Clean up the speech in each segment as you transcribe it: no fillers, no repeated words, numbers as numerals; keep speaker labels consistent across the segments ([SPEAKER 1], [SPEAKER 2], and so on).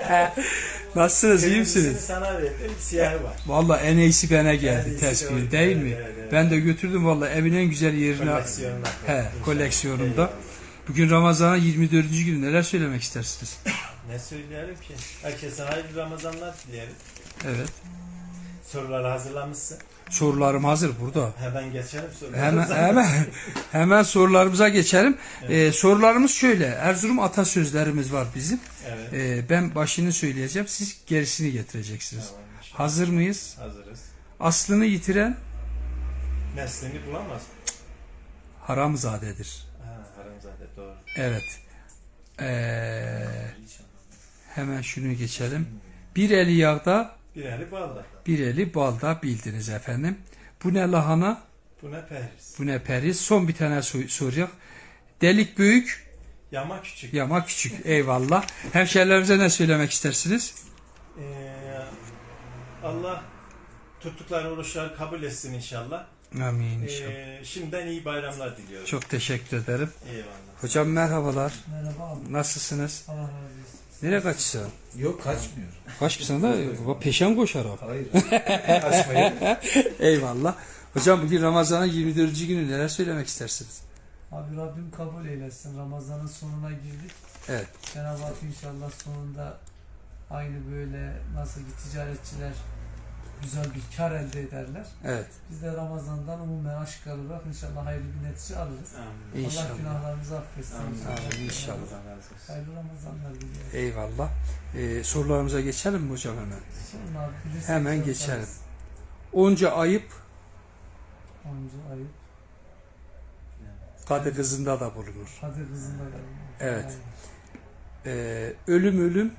[SPEAKER 1] Nasılsınız, iyi misiniz?
[SPEAKER 2] Kırmızısını sana verdim, siyahı var.
[SPEAKER 1] Vallahi en iyisi bana geldi
[SPEAKER 2] En iyisi
[SPEAKER 1] tespihin
[SPEAKER 2] o,
[SPEAKER 1] değil
[SPEAKER 2] evet,
[SPEAKER 1] mi?
[SPEAKER 2] evet.
[SPEAKER 1] Ben de götürdüm vallahi evin en güzel yerine.
[SPEAKER 2] Koleksiyonuna.
[SPEAKER 1] Koleksiyonumda.
[SPEAKER 2] Eyvallah.
[SPEAKER 1] Bugün Ramazan'ın 24. günü, neler söylemek istersiniz?
[SPEAKER 2] Ne söyleyelim ki? Herkese hayırlı Ramazanlar dilerim.
[SPEAKER 1] Evet.
[SPEAKER 2] Soruları hazırlamışsın.
[SPEAKER 1] Sorularım hazır burada.
[SPEAKER 2] Hemen geçelim sorularımıza.
[SPEAKER 1] Hemen sorularımıza geçelim. Sorularımız şöyle. Erzurum atasözlerimiz var bizim.
[SPEAKER 2] Evet.
[SPEAKER 1] Ben başını söyleyeceğim. Siz gerisini getireceksiniz.
[SPEAKER 2] Tamam, inşallah.
[SPEAKER 1] Hazır mıyız?
[SPEAKER 2] Hazırız.
[SPEAKER 1] Aslını yitiren
[SPEAKER 2] Neslini bulamaz.
[SPEAKER 1] haramzadedir.
[SPEAKER 2] Haramzade doğru.
[SPEAKER 1] Evet. Hemen şunu geçelim. Bir eli yağda,
[SPEAKER 2] Bir eli balda.
[SPEAKER 1] bir eli balda bildiniz efendim. Bu ne lahana,
[SPEAKER 2] Bu ne periz?
[SPEAKER 1] bu ne periz. Son bir tane soracak. Delik büyük,
[SPEAKER 2] Yama küçük.
[SPEAKER 1] yama küçük. Eyvallah. Hemşerilerimize ne söylemek istersiniz?
[SPEAKER 2] Allah tuttukları oruçları kabul etsin inşallah.
[SPEAKER 1] Amin inşallah.
[SPEAKER 2] Şimdiden iyi bayramlar diliyorum.
[SPEAKER 1] Çok teşekkür ederim.
[SPEAKER 2] Eyvallah.
[SPEAKER 1] Hocam merhabalar.
[SPEAKER 3] Merhaba abi.
[SPEAKER 1] Nasılsınız?
[SPEAKER 3] Allah razı olsun.
[SPEAKER 1] Nereye kaçıyorsun?
[SPEAKER 4] Yok kaçmıyor.
[SPEAKER 1] Kaçmışsın da peşen koşarak.
[SPEAKER 4] Hayır. Kaçmayın.
[SPEAKER 1] Eyvallah. Hocam bugün Ramazan'ın 24. günü, neler söylemek istersiniz?
[SPEAKER 3] Abi Rabbim kabul eylesin. Ramazan'ın sonuna girdik.
[SPEAKER 1] Evet.
[SPEAKER 3] Cenab-ı Hak inşallah sonunda aynı böyle nasıl ki ticaretçiler güzel bir kar elde ederler.
[SPEAKER 1] Evet.
[SPEAKER 3] Biz de Ramazan'dan umumen aşk alarak inşallah hayırlı bir netice alırız.
[SPEAKER 2] Amin.
[SPEAKER 1] İnşallah.
[SPEAKER 3] Allah günahlarımızı affetsin.
[SPEAKER 2] Amin.
[SPEAKER 1] Amin, inşallah.
[SPEAKER 2] Allah razı olsun.
[SPEAKER 3] Hayırlı Ramazanlar diliyorum.
[SPEAKER 1] Eyvallah. Sorularımıza geçelim mi hocam hemen?
[SPEAKER 3] Sonra abi bilirsek
[SPEAKER 1] Hemen
[SPEAKER 3] sorarız.
[SPEAKER 1] geçelim. Onca ayıp
[SPEAKER 3] Onca ayıp.
[SPEAKER 1] kadı kızında da bulunur.
[SPEAKER 3] Hadi kızında da.
[SPEAKER 1] Evet.
[SPEAKER 3] Aynen.
[SPEAKER 1] Ölüm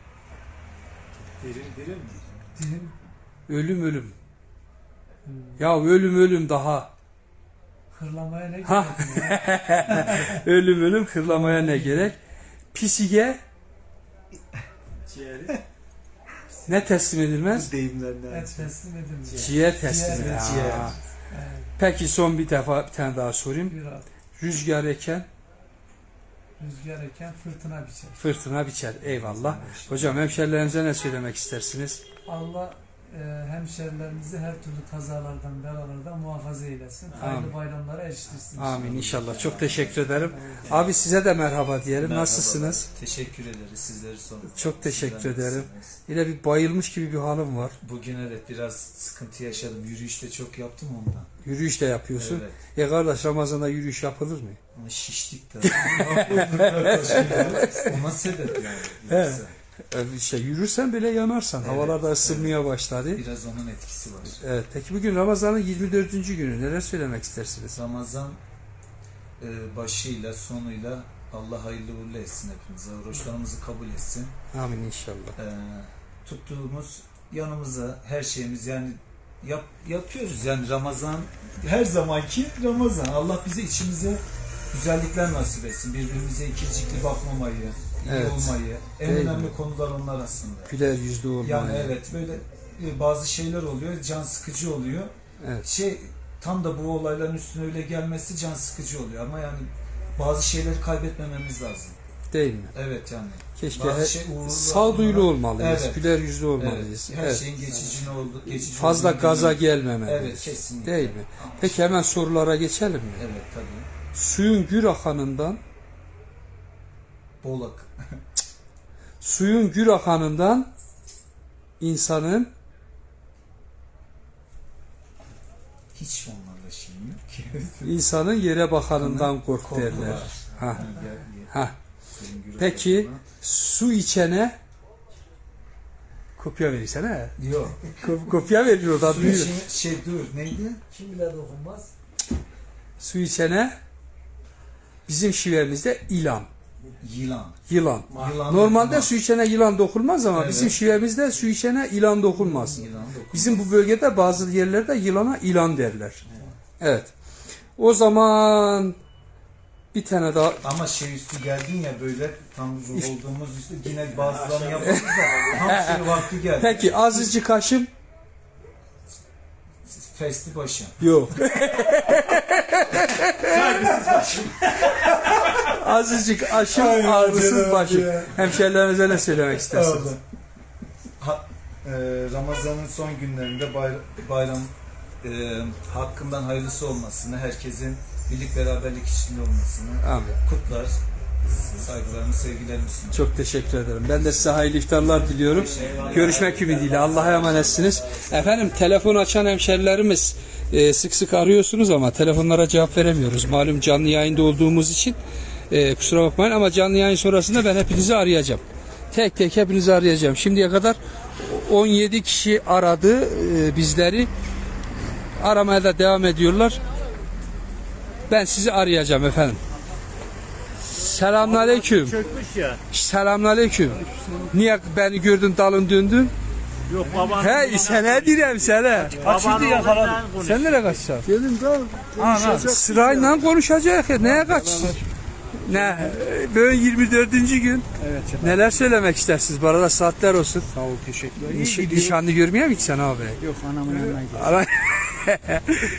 [SPEAKER 2] Dirim mi?
[SPEAKER 3] Dilim.
[SPEAKER 1] ölüm. Ya ölüm daha.
[SPEAKER 3] Hırlamaya ne
[SPEAKER 1] Ha.
[SPEAKER 3] gerek ya?
[SPEAKER 1] ölüm hırlamaya ne gerek? Pisige
[SPEAKER 2] Ciğeri.
[SPEAKER 1] ne teslim edilmez?
[SPEAKER 4] Deyimlerden.
[SPEAKER 3] Et teslim edilmiş.
[SPEAKER 1] Ciğer teslim
[SPEAKER 3] Ciğer.
[SPEAKER 1] edilmez.
[SPEAKER 4] Ciğer.
[SPEAKER 1] Ha.
[SPEAKER 3] Evet.
[SPEAKER 1] Peki son bir tane daha sorayım.
[SPEAKER 3] Bir abi.
[SPEAKER 1] Rüzgar eken
[SPEAKER 3] Rüzgar eken fırtına biçer.
[SPEAKER 1] fırtına biçer. Eyvallah. Hocam hemşerilerinize ne söylemek istersiniz?
[SPEAKER 3] Allah hemşerilerimizi her türlü kazalardan, belalardan muhafaza eylesin. Hayırlı
[SPEAKER 1] Amin.
[SPEAKER 3] bayramlara eriştirsin.
[SPEAKER 1] Amin inşallah. Çok teşekkür ederim. Abi size de merhaba diyelim.
[SPEAKER 4] Merhaba.
[SPEAKER 1] Nasılsınız?
[SPEAKER 4] Teşekkür ederiz. Sizleri sorun.
[SPEAKER 1] Çok teşekkür
[SPEAKER 4] Sizler
[SPEAKER 1] ederim.
[SPEAKER 4] nasılsınız?
[SPEAKER 1] Yine bir bayılmış gibi bir halim var.
[SPEAKER 4] Bugün evet biraz sıkıntı yaşadım. Yürüyüşte çok yaptım ondan.
[SPEAKER 1] Yürüyüş de yapıyorsun.
[SPEAKER 4] Evet.
[SPEAKER 1] Kardeş Ramazan'da yürüyüş yapılır mı?
[SPEAKER 4] Ama şiştik de. Ona sebep yani.
[SPEAKER 1] Evet.
[SPEAKER 4] Yoksa
[SPEAKER 1] İşte yürürsen bile yanarsan.
[SPEAKER 4] Evet,
[SPEAKER 1] Havalar da ısınmaya başladı.
[SPEAKER 4] biraz onun etkisi var.
[SPEAKER 1] Evet. Peki bugün Ramazan'ın 24. günü. Neler söylemek istersiniz?
[SPEAKER 4] Ramazan başıyla sonuyla Allah hayırlı uğurlu etsin hepimize. Oruçlarımızı kabul etsin.
[SPEAKER 1] Amin inşallah.
[SPEAKER 4] Tuttuğumuz yanımıza her şeyimiz yani yapıyoruz yani Ramazan her zamanki Ramazan. Allah bize içimize güzellikler nasip etsin. Birbirimize ikircikli bakmamayı, iyi
[SPEAKER 1] Evet.
[SPEAKER 4] olmayı. En
[SPEAKER 1] Değil
[SPEAKER 4] önemli
[SPEAKER 1] mi?
[SPEAKER 4] konular onlar aslında.
[SPEAKER 1] Güler yüzlü olmalı.
[SPEAKER 4] Yani evet böyle bazı şeyler oluyor, can sıkıcı oluyor.
[SPEAKER 1] Evet.
[SPEAKER 4] Tam da bu olayların üstüne öyle gelmesi can sıkıcı oluyor ama yani bazı şeyleri kaybetmememiz lazım.
[SPEAKER 1] Değil mi?
[SPEAKER 4] Evet yani.
[SPEAKER 1] Keşke
[SPEAKER 4] Bazı
[SPEAKER 1] sağduyulu olmalıyız.
[SPEAKER 4] Evet.
[SPEAKER 1] Güler yüzlü olmalıyız.
[SPEAKER 4] Evet, her
[SPEAKER 1] Evet.
[SPEAKER 4] şeyin geçici
[SPEAKER 1] Fazla
[SPEAKER 4] olduğunu
[SPEAKER 1] gaza
[SPEAKER 4] biliyoruz.
[SPEAKER 1] gelmemeliyiz.
[SPEAKER 4] Evet, kesinlikle.
[SPEAKER 1] Değil mi? Peki hemen sorulara geçelim mi?
[SPEAKER 4] Evet tabii.
[SPEAKER 1] Suyun gür akanından
[SPEAKER 4] Bolak.
[SPEAKER 1] suyun gür akanından insanın
[SPEAKER 4] Hiç onlarla şeyim yok ki.
[SPEAKER 1] insanın yere bakanından kork
[SPEAKER 4] Korku
[SPEAKER 1] derler.
[SPEAKER 4] var.
[SPEAKER 1] Ha.
[SPEAKER 4] Yani
[SPEAKER 1] Ha.
[SPEAKER 4] senin gürültü
[SPEAKER 1] Peki
[SPEAKER 4] olduğuna-
[SPEAKER 1] su içene kopya verirsene.
[SPEAKER 4] Yok.
[SPEAKER 1] Kopya veriyor da
[SPEAKER 4] Su
[SPEAKER 1] duyuyor.
[SPEAKER 4] için dur neydi?
[SPEAKER 3] Kim bile dokunmaz.
[SPEAKER 1] Su içene bizim şivemizde ilan.
[SPEAKER 4] Yılan.
[SPEAKER 1] Yılan.
[SPEAKER 4] Yılan
[SPEAKER 1] Normalde
[SPEAKER 4] dokunmaz.
[SPEAKER 1] su içene yılan dokunmaz ama
[SPEAKER 4] Evet.
[SPEAKER 1] bizim şivemizde su içene ilan dokunmaz.
[SPEAKER 4] Yılan dokunmaz.
[SPEAKER 1] Bizim bu bölgede bazı yerlerde yılana ilan derler. Evet. O zaman bir tane daha
[SPEAKER 4] Ama üstü geldin ya böyle tam ruh olduğumuz üstü yine bazılarını yaparız da tam vakti geldi.
[SPEAKER 1] peki azıcık kaşım
[SPEAKER 4] Festi başım.
[SPEAKER 1] yok. Azıcık aşım ağrısız başım. Hemşerilerinize ne söylemek istersiniz?
[SPEAKER 4] Ramazan'ın son günlerinde bayram hakkından hayırlısı olmasını, herkesin birlik beraberlik içinde olmasını
[SPEAKER 1] Amin.
[SPEAKER 4] kutlar. Saygılarımı, sevgilerimi sunuyorum.
[SPEAKER 1] Çok teşekkür ederim. Ben de size hayırlı iftarlar diliyorum. Görüşmek ümidiyle. Allah'a emanetsiniz. Efendim telefon açan hemşerilerimiz sık sık arıyorsunuz ama telefonlara cevap veremiyoruz. Malum canlı yayında olduğumuz için kusura bakmayın ama canlı yayın sonrasında ben hepinizi arayacağım. Tek tek hepinizi arayacağım. Şimdiye kadar 17 kişi aradı bizleri. Aramaya da devam ediyorlar. Ben sizi arayacağım efendim. Selamünaleyküm.
[SPEAKER 5] Çökmüş ya.
[SPEAKER 1] Selamünaleyküm. Niye beni gördün dalın döndün?
[SPEAKER 5] Yok babanın.
[SPEAKER 1] He sana direm sana.
[SPEAKER 5] Babanın yakaladım.
[SPEAKER 1] Sen nereye kaçacaksın?
[SPEAKER 6] Gelin de konuşacak.
[SPEAKER 1] Sırayla konuşacak ya. Neye kaçacaksın? Ne? Böyle 24. gün.
[SPEAKER 6] Evet.
[SPEAKER 1] Neler söylemek istersiniz? Bu arada saatler olsun.
[SPEAKER 6] Sağ ol, teşekkürler.
[SPEAKER 1] Nişanlı görmeye mi gitsen abi?
[SPEAKER 6] Yok, anamın yanına gidiyor.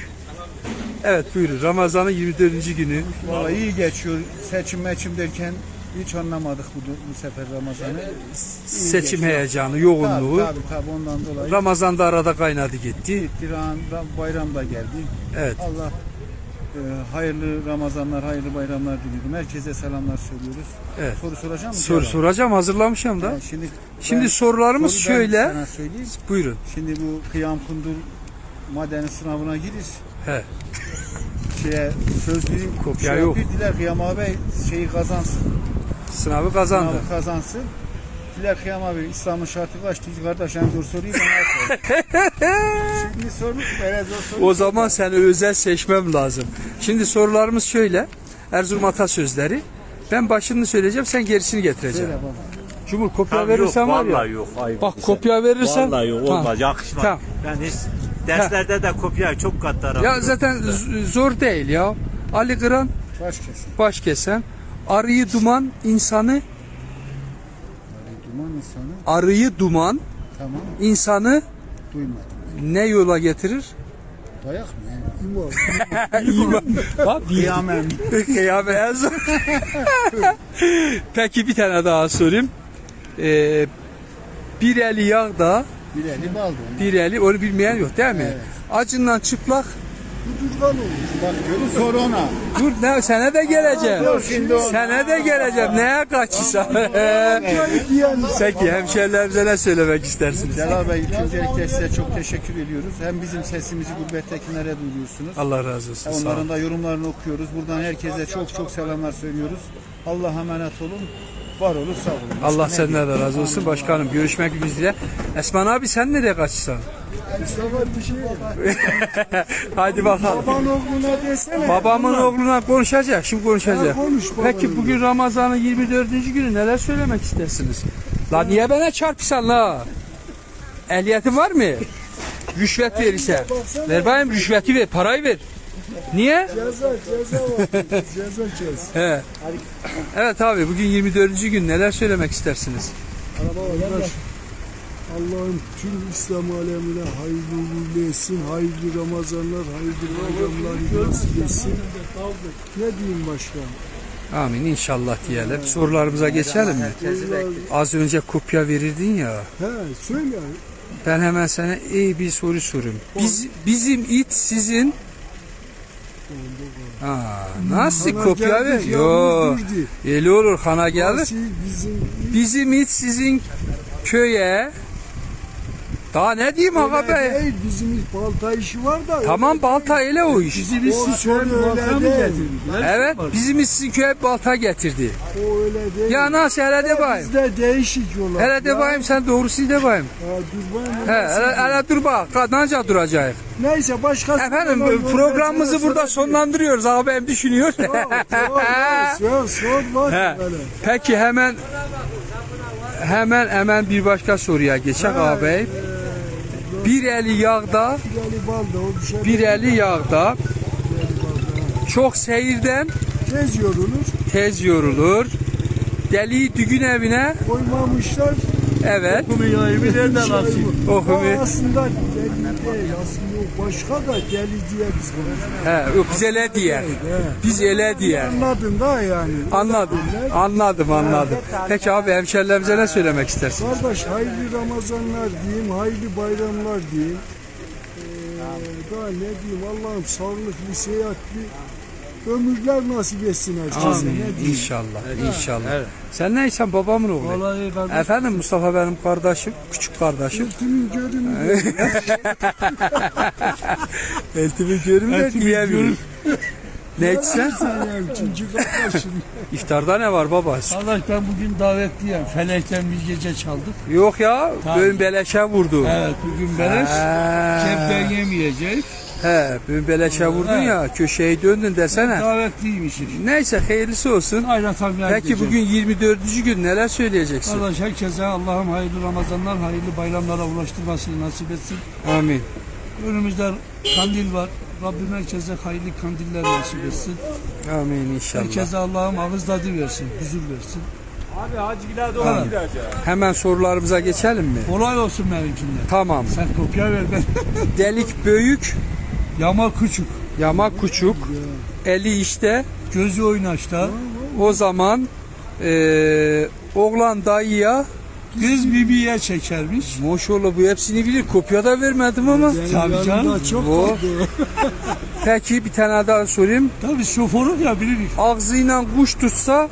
[SPEAKER 1] Evet buyurun. Ramazan'ın 24. günü.
[SPEAKER 6] Vallahi iyi geçiyor. Seçim derken hiç anlamadık bu sefer Ramazan'ı.
[SPEAKER 1] Seçim
[SPEAKER 6] geçiyor.
[SPEAKER 1] heyecanı, yoğunluğu.
[SPEAKER 6] Tabii ondan dolayı.
[SPEAKER 1] Ramazan'da arada kaynadı gitti.
[SPEAKER 6] Gitti, bayram da geldi.
[SPEAKER 1] Evet.
[SPEAKER 6] Allah hayırlı Ramazanlar, hayırlı bayramlar diliyorum. Herkese selamlar söylüyoruz.
[SPEAKER 1] Evet.
[SPEAKER 6] Soru soracağım mı?
[SPEAKER 1] Soru soracağım. Hazırlamışım da. Şimdi
[SPEAKER 6] ben-
[SPEAKER 1] sorularımız
[SPEAKER 6] soruyu ben
[SPEAKER 1] şöyle.
[SPEAKER 6] sana söyleyeyim.
[SPEAKER 1] Buyurun.
[SPEAKER 6] Şimdi bu Kıyam Kundur madeni sınavına giriş.
[SPEAKER 1] He.
[SPEAKER 6] Sözlüğü
[SPEAKER 1] Kopya yok.
[SPEAKER 6] Diler Kıyam abi şeyi kazansın.
[SPEAKER 1] Sınavı kazandı.
[SPEAKER 6] Sınavı kazansın. Diler Kıyam abi İslam'ın şartı kaçtı? Kardeş en zor soruyu bana sor. Şimdi sormuş böyle zor soru.
[SPEAKER 1] O zaman seni özel seçmem lazım. Şimdi sorularımız şöyle. Erzurum atasözleri. Ben başını söyleyeceğim, sen gerisini getireceksin.
[SPEAKER 6] Söyle baba.
[SPEAKER 1] Cumhur kopya
[SPEAKER 5] Yok,
[SPEAKER 1] verirsen var ya.
[SPEAKER 5] vallahi yok. Ayıp
[SPEAKER 1] Bak
[SPEAKER 5] bize.
[SPEAKER 1] kopya verirsen.
[SPEAKER 5] Vallahi yok
[SPEAKER 1] Tamam.
[SPEAKER 5] olmaz. Yakışmaz.
[SPEAKER 1] Tamam.
[SPEAKER 5] Ben hiç derslerde de kopya çok katlarım.
[SPEAKER 1] Ya zaten zor değil ya. Ali Kıran
[SPEAKER 6] Baş kesin.
[SPEAKER 1] baş kesen. Arıyı duman insanı.
[SPEAKER 6] Duman insanı.
[SPEAKER 1] Arıyı duman
[SPEAKER 6] Tamam.
[SPEAKER 1] insanı
[SPEAKER 6] Duymadım.
[SPEAKER 1] ne yola getirir?
[SPEAKER 6] Dayak mı? İman.
[SPEAKER 1] Bak bir
[SPEAKER 6] Kıyamet.
[SPEAKER 1] kıyamet en son. Peki bir tane daha sorayım. Bir eli yağda,
[SPEAKER 6] Bir eli baldı.
[SPEAKER 1] bir eli onu bilmeyen yok değil mi?
[SPEAKER 6] Evet.
[SPEAKER 1] Acından çıplak.
[SPEAKER 6] Bak görün sor ona.
[SPEAKER 1] Dur ne sene de geleceğim.
[SPEAKER 6] Dur şimdi ona.
[SPEAKER 1] Sene de geleceğim. Neye kaçırsan? Peki hemşerilerimize ne söylemek istersiniz?
[SPEAKER 6] Celal Bey öncelikle size çok teşekkür ediyoruz. Hem bizim sesimizi gurbettekilere duyuruyorsunuz.
[SPEAKER 1] Allah razı olsun. Sağ olun.
[SPEAKER 6] Onların da yorumlarını okuyoruz. Buradan herkese çok selamlar söylüyoruz. Allah'a emanet olun. Var olun, sağ olun.
[SPEAKER 1] Allah
[SPEAKER 6] Başka ne
[SPEAKER 1] senden de
[SPEAKER 6] diyeyim?
[SPEAKER 1] razı olsun başkanım. Görüşmek üzere. Esman abi sen nereye kaçırsan? Hadi bakalım.
[SPEAKER 6] Baban oğluna desene.
[SPEAKER 1] Babamın oğluna konuşacak. Şimdi konuşacak.
[SPEAKER 6] konuş babanın.
[SPEAKER 1] Peki bugün Ramazan'ın 24. günü neler söylemek istersiniz? La niye bana çarpırsan la? Ehliyetin var mı? Rüşvet verirse. Ver bakayım rüşveti ver. Parayı ver. Niye?
[SPEAKER 6] Ceza var. Ceza kes.
[SPEAKER 1] He. Evet abi bugün 24. gün neler söylemek istersiniz?
[SPEAKER 7] Arkadaş, Allah'ın tüm İslam alemine hayırlı uğurlu etsin, hayırlı Ramazanlar, hayırlı bayramlar nasip etsin. Ne diyeyim başka?
[SPEAKER 1] Amin inşallah diyelim. Sorularımıza geçelim mi? Az önce kopya verirdin ya.
[SPEAKER 7] He, söyle.
[SPEAKER 1] Ben hemen sana iyi bir soru sorayım. Bizim it sizin nasıl
[SPEAKER 7] Hana
[SPEAKER 1] kopya ver?
[SPEAKER 7] geldik,
[SPEAKER 1] Yo.
[SPEAKER 7] yağmur durdu.
[SPEAKER 1] Öyle olur hana gelir.
[SPEAKER 7] Asi bizim
[SPEAKER 1] Bizim it sizin köye. Daha ne diyeyim aga be?
[SPEAKER 7] değil, bizim balta işi var da.
[SPEAKER 1] Tamam balta ile o iş.
[SPEAKER 7] Bizim işi öyle değil.
[SPEAKER 1] Evet bizim it sizin köye balta getirdi.
[SPEAKER 7] O öyle değil.
[SPEAKER 1] Ya nasıl hele de bayım.
[SPEAKER 7] Bizde değişik yollar.
[SPEAKER 1] Hele de bayım sen doğrusu de bayım.
[SPEAKER 7] Ya, dur bayım,
[SPEAKER 1] He hele dur bak kadınca duracak.
[SPEAKER 7] Neyse başka.
[SPEAKER 1] Efendim programımızı burada sonlandırıyoruz ağabeyim düşünüyor.
[SPEAKER 7] Sor bak.
[SPEAKER 1] He.
[SPEAKER 7] Böyle.
[SPEAKER 1] Peki hemen bir başka soruya geçek ağabey. Bir eli yağda,
[SPEAKER 7] Yani balda o bir şey.
[SPEAKER 1] bir eli yağda. Çok seyirden
[SPEAKER 7] Tez yorulur.
[SPEAKER 1] tez yorulur. Deliği düğün evine
[SPEAKER 7] Koymamışlar.
[SPEAKER 1] Evet.
[SPEAKER 5] Kumiyayımı nereden açayım?
[SPEAKER 1] O hümü.
[SPEAKER 7] Aslında deli değil. Aslında o başka da deli diye biz konuşuyoruz.
[SPEAKER 1] He, o biz ele diyer. Biz ele diyer.
[SPEAKER 7] Anladın da yani.
[SPEAKER 1] Anladım. Peki abi hemşerilerimize ne söylemek istersin?
[SPEAKER 7] Kardeş hayırlı Ramazanlar diyeyim, hayırlı bayramlar diyeyim. Daha ne diyeyim Allah'ım sağlıklı, seyahatli ömürler nasip etsin herkese. Ne diyeyim?
[SPEAKER 1] İnşallah. Sen neysen babamın oğlu.
[SPEAKER 3] Vallahi kardeş.
[SPEAKER 1] Efendim Mustafa benim kardeşim, küçük kardeşim.
[SPEAKER 7] Eltimin görünmüyor.
[SPEAKER 1] Eltimi görünmüyor diyemiyorum. Ne içsen?
[SPEAKER 7] Yani çünkü kardeşim.
[SPEAKER 1] İftarda ne var baba?
[SPEAKER 3] Kardeş ben bugün davetliyim. Felekten bir gece çaldık.
[SPEAKER 1] Yok ya,
[SPEAKER 3] Tamam.
[SPEAKER 1] bugün beleşe vurdu.
[SPEAKER 3] Evet bugün beleş. Cepten yemeyecek.
[SPEAKER 1] He, bugün beleşe vurdun ya, köşeyi döndün desene.
[SPEAKER 3] Davetliymişiz.
[SPEAKER 1] Neyse hayırlısı olsun.
[SPEAKER 3] Aynen tabii.
[SPEAKER 1] Peki bugün 24. gün neler söyleyeceksin?
[SPEAKER 3] Kardeş herkese Allah'ım hayırlı Ramazanlar, hayırlı bayramlara ulaştırmasını nasip etsin.
[SPEAKER 1] Amin.
[SPEAKER 3] Önümüzde kandil var. Rabbim herkese hayırlı kandiller nasip etsin.
[SPEAKER 1] Amin inşallah.
[SPEAKER 3] Herkese Allah'ım ağız tadı versin, huzur versin.
[SPEAKER 5] Abi Hacıgil'e doğru
[SPEAKER 1] Tamam.
[SPEAKER 5] gideceğiz.
[SPEAKER 1] Hemen sorularımıza geçelim mi?
[SPEAKER 3] Kolay olsun benimkinden.
[SPEAKER 1] Tamam.
[SPEAKER 3] Sen kopya ver ben.
[SPEAKER 1] Delik büyük,
[SPEAKER 3] Yama küçük,
[SPEAKER 1] yama küçük, eli işte.
[SPEAKER 3] gözü oynaşta,
[SPEAKER 1] O zaman oğlan dayıya
[SPEAKER 3] kız bibiye çekermiş.
[SPEAKER 1] maşallah bu hepsini bilir. Kopya da vermedim ama.
[SPEAKER 3] Tabii canım.
[SPEAKER 7] Yanında çok
[SPEAKER 1] O.
[SPEAKER 7] kaldı.
[SPEAKER 1] Peki bir tane daha sorayım.
[SPEAKER 3] Tabii şoförü ya bilirik.
[SPEAKER 1] Ağzıyla kuş tutsa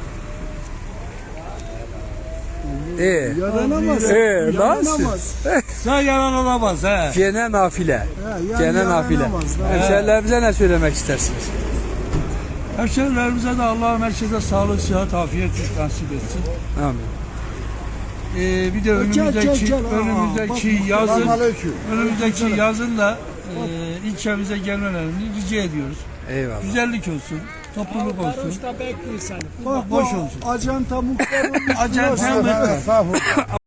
[SPEAKER 7] Yaranamaz.
[SPEAKER 1] nasıl?
[SPEAKER 7] Yaranamaz.
[SPEAKER 3] Sen yaralanamaz he.
[SPEAKER 1] Gene nafile.
[SPEAKER 7] Ha, yani
[SPEAKER 1] Gene nafile.
[SPEAKER 7] yaranamaz da.
[SPEAKER 1] Hemşerilerimize ne söylemek istersiniz?
[SPEAKER 3] Hemşehrilerimize de Allah'ım herkese sağlık, sıhhat, afiyet nasip etsin.
[SPEAKER 1] Amin.
[SPEAKER 3] Bir de önümüzdeki yazın
[SPEAKER 7] Selamünaleyküm.
[SPEAKER 3] önümüzdeki yazın da ilçemize gelmelerini rica ediyoruz.
[SPEAKER 1] Eyvallah.
[SPEAKER 3] Güzellik olsun, topluluk olsun.
[SPEAKER 7] Bak
[SPEAKER 3] Boş
[SPEAKER 7] bu
[SPEAKER 3] olsun.
[SPEAKER 7] Acanta muhtar olmuş.
[SPEAKER 3] Acenta
[SPEAKER 7] burası.
[SPEAKER 3] muhtar.
[SPEAKER 7] Ha,